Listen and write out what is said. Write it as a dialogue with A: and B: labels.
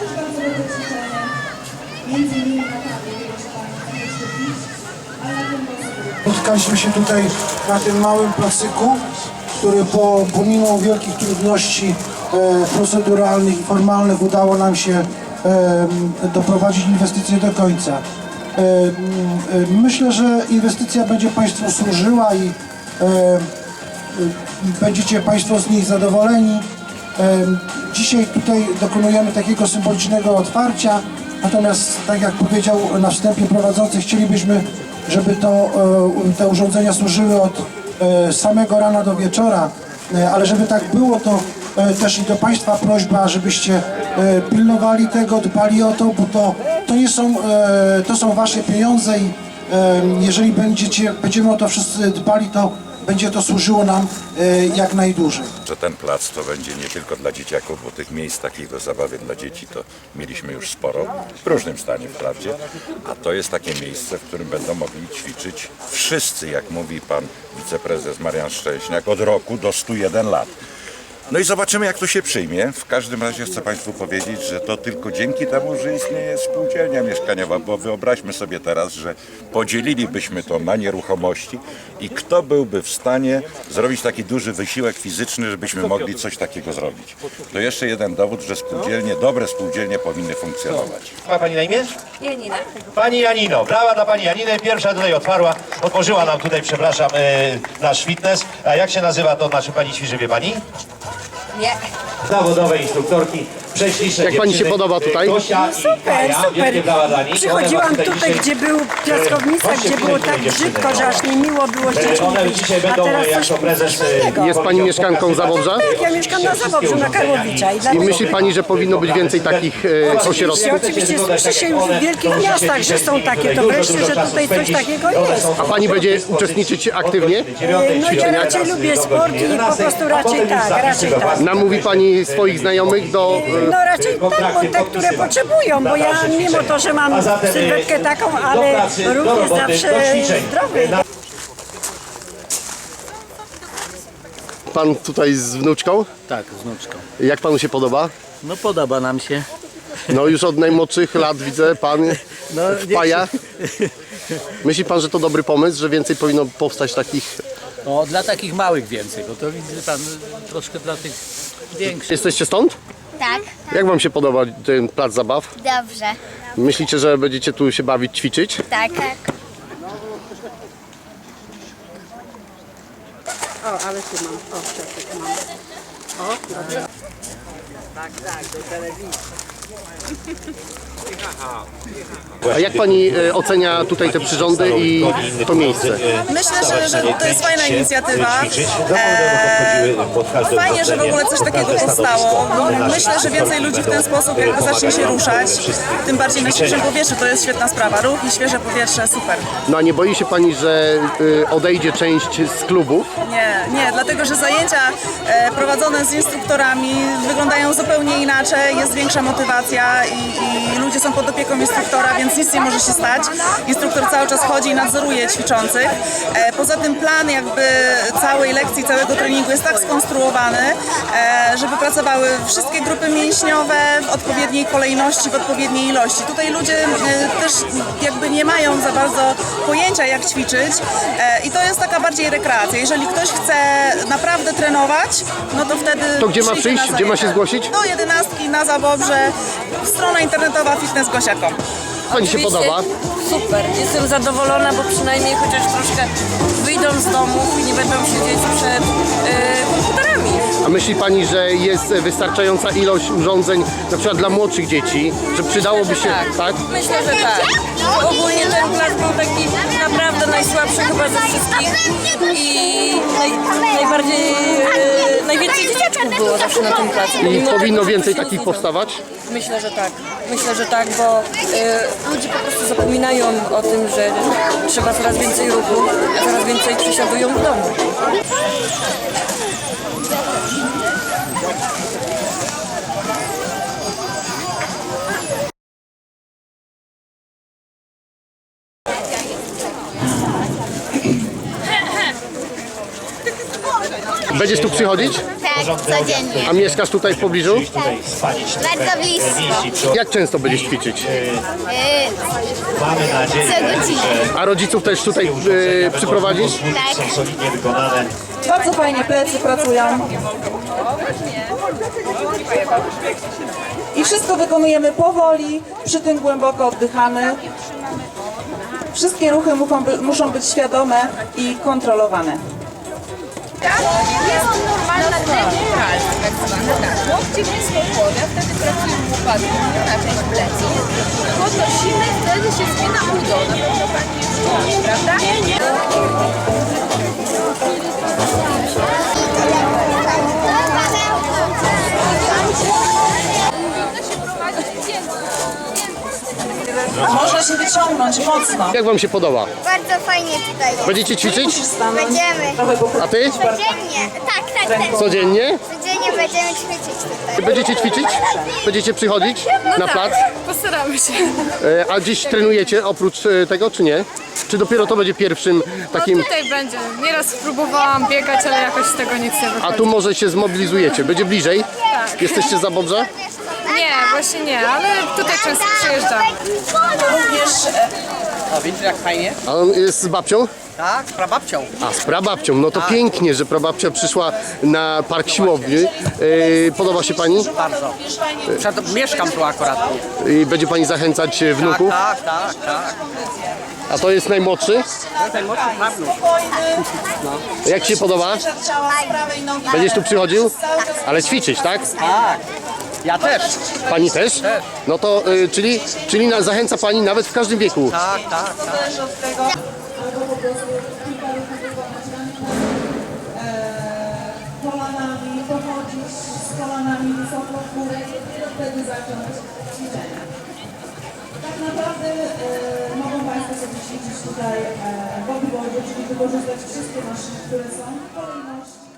A: Spotkaliśmy się tutaj na tym małym placyku, który pomimo wielkich trudności proceduralnych i formalnych udało nam się doprowadzić inwestycję do końca. Myślę, że inwestycja będzie Państwu służyła i będziecie Państwo z niej zadowoleni. Dzisiaj tutaj dokonujemy takiego symbolicznego otwarcia, natomiast tak jak powiedział na wstępie prowadzący, chcielibyśmy, żeby te urządzenia służyły od samego rana do wieczora, ale żeby tak było, to też i do Państwa prośba, żebyście pilnowali tego, dbali o to, bo to są Wasze pieniądze i jeżeli będziemy o to wszyscy dbali, to będzie to służyło nam jak najdłużej.
B: Że ten plac to będzie nie tylko dla dzieciaków, bo tych miejsc takich do zabawy dla dzieci to mieliśmy już sporo, w różnym stanie wprawdzie, a to jest takie miejsce, w którym będą mogli ćwiczyć wszyscy, jak mówi pan wiceprezes Marian Szczęśniak, od roku do 101 lat. No i zobaczymy, jak to się przyjmie. W każdym razie chcę Państwu powiedzieć, że to tylko dzięki temu, że istnieje spółdzielnia mieszkaniowa, bo wyobraźmy sobie teraz, że podzielilibyśmy to na nieruchomości i kto byłby w stanie zrobić taki duży wysiłek fizyczny, żebyśmy mogli coś takiego zrobić. To jeszcze jeden dowód, że spółdzielnie, dobre spółdzielnie powinny funkcjonować.
C: Ma Pani na imię?
D: Janina.
C: Pani Janino, brawa dla Pani Janiny. Pierwsza tutaj otworzyła nam tutaj, przepraszam, nasz fitness. A jak się nazywa to nasze Pani ćwiczy, wie Pani?
D: Nie.
C: Zawodowe instruktorki, prześliczne
E: Jak Pani się podoba tutaj?
C: Gosia
D: No super, super. Przychodziłam tutaj, gdzie był piaskownica, gdzie było tak brzydko, że aż nie miło było z dziećmi
C: One
D: być.
C: dzisiaj
D: A
C: będą
D: teraz
C: jako
D: coś
C: prezes...
D: fajnego.
E: Jest Pani mieszkanką Zabobrza?
D: Tak, ja mieszkam na Zabobrzu, na Karłowicza.
E: I myśli Pani, że powinno być więcej takich ośrodków?
D: Oczywiście słyszy się już w wielkich miastach, że są takie, to wreszcie, że tutaj coś takiego jest.
E: A Pani będzie uczestniczyć aktywnie?
D: No ja raczej lubię sport i po prostu raczej tak.
E: Namówi Pani swoich znajomych do...
D: No raczej tak, bo te, które potrzebują, bo ja mimo to, że mam sylwetkę taką, ale ruch jest zawsze zdrowy.
E: Pan tutaj z wnuczką?
F: Tak, z wnuczką.
E: Jak Panu się podoba?
F: No podoba nam się.
E: No już od najmłodszych lat widzę, Pan
F: No,
E: wpaja. Myśli Pan, że to dobry pomysł, że więcej powinno powstać takich...
F: No, dla takich małych więcej, bo to widzę pan troszkę dla tych większych.
E: Jesteście stąd?
G: Tak,
E: Jak Wam się podoba ten plac zabaw?
G: dobrze.
E: Myślicie, że będziecie tu się bawić, ćwiczyć?
G: Tak.
H: O, ale tu mam. O, przepyk mam. O, dobrze. Tak, do telewizji.
E: A jak Pani ocenia tutaj te przyrządy i to miejsce?
I: Myślę, że to jest fajna inicjatywa. Fajnie, że w ogóle coś takiego powstało. Myślę, że więcej ludzi w ten sposób jakby zacznie się ruszać. Tym bardziej na świeżym powietrzu, to jest świetna sprawa. Ruch i świeże powietrze, super.
E: No a nie boi się Pani, że odejdzie część z klubów?
I: Nie, dlatego że zajęcia prowadzone z instruktorami wyglądają zupełnie inaczej, jest większa motywacja i ludzie są pod opieką instruktora, więc nic nie może się stać. Instruktor cały czas chodzi i nadzoruje ćwiczących. Poza tym plan jakby całej lekcji, całego treningu jest tak skonstruowany, żeby pracowały wszystkie grupy mięśniowe w odpowiedniej kolejności, w odpowiedniej ilości. Tutaj ludzie też jakby nie mają za bardzo pojęcia, jak ćwiczyć i to jest taka bardziej rekreacja. Jeżeli ktoś chce naprawdę trenować, no to wtedy...
E: To gdzie ma przyjść? Gdzie ma się zgłosić?
I: Do 11 na Zabobrze, strona internetowa fitnessgosia.com.
E: Pani się podoba?
D: Super, jestem zadowolona, bo przynajmniej chociaż troszkę wyjdą z domów i nie będą siedzieć przed komputerami.
E: A myśli Pani, że jest wystarczająca ilość urządzeń, na przykład dla młodszych dzieci, że przydałoby się...
D: Tak. Myślę, że tak. Ogólnie ten plac był taki naprawdę najsłabszy chyba ze wszystkich i najwięcej dzieciaczków było zawsze na tym placu.
E: I powinno więcej takich powstawać?
D: Myślę, że tak, bo ludzie po prostu zapominają o tym, że trzeba coraz więcej ruchu, a coraz więcej przesiadują w domu.
E: Będziesz tu przychodzić?
G: Tak, codziennie.
E: A mieszkasz tutaj w pobliżu?
G: Bardzo blisko.
E: Jak często będziesz ćwiczyć?
C: Mamy nadzieję,
G: Co godzinę.
E: A rodziców też tutaj przyprowadzisz?
G: Tak.
C: są solidnie wykonane.
I: Bardzo fajnie plecy pracują. I wszystko wykonujemy powoli, przy tym głęboko oddychamy. Wszystkie ruchy muszą być świadome i kontrolowane.
J: Jest normalna degeneracja, tak zwana, tak. Łokcie blisko głowy, a wtedy pracujemy łopatkami na część plecy. Podnosimy, wtedy się spina udo. Na pewno Pani już czuje, prawda?
I: Można się wyciągnąć mocno.
E: Jak wam się podoba?
G: Bardzo fajnie tutaj.
E: Będziecie ćwiczyć?
G: Będziemy.
E: A ty?
G: Codziennie. Tak, tak, tak.
E: Codziennie?
G: Codziennie będziemy ćwiczyć tutaj.
E: Będziecie ćwiczyć? Będziecie przychodzić na plac?
J: Postaramy się.
E: A dziś trenujecie oprócz tego, czy nie? Czy dopiero to będzie pierwszym takim...
J: Tutaj będzie. Nieraz próbowałam biegać, ale jakoś z tego nic nie wychodzi.
E: A tu może się zmobilizujecie? Będzie bliżej?
J: Tak.
E: Jesteście za Bobrze?
J: Nie, właśnie nie, ale tutaj często przyjeżdżam.
I: Również
K: O, widzisz jak fajnie?
E: A on jest z babcią?
K: Tak, z prababcią.
E: A, z prababcią. No to pięknie, że prababcia przyszła na park siłowni. Podoba się pani?
K: Bardzo. Mieszkam tu akurat.
E: Będzie pani zachęcać wnuków?
K: Tak, tak, tak.
E: A to jest najmłodszy?
K: Ten młodszy prawnuk.
E: Jak ci się podoba?
I: ciała z prawej nogi.
E: Będziesz tu przychodził? Ale ćwiczyć, tak?
K: Tak. Ja też.
E: Pani też? No to, czyli zachęca pani nawet w każdym wieku.
K: Tak, tak, tak.
I: Zależy od tego. Kolanami, pochodzić z kolanami wysoko w górę i dopiero wtedy zacząć ćwiczenia. Tak naprawdę mogą Państwo sobie ćwiczyć tutaj w bodyboardzie, czyli wykorzystać wszystkie maszyny, które są w kolejności.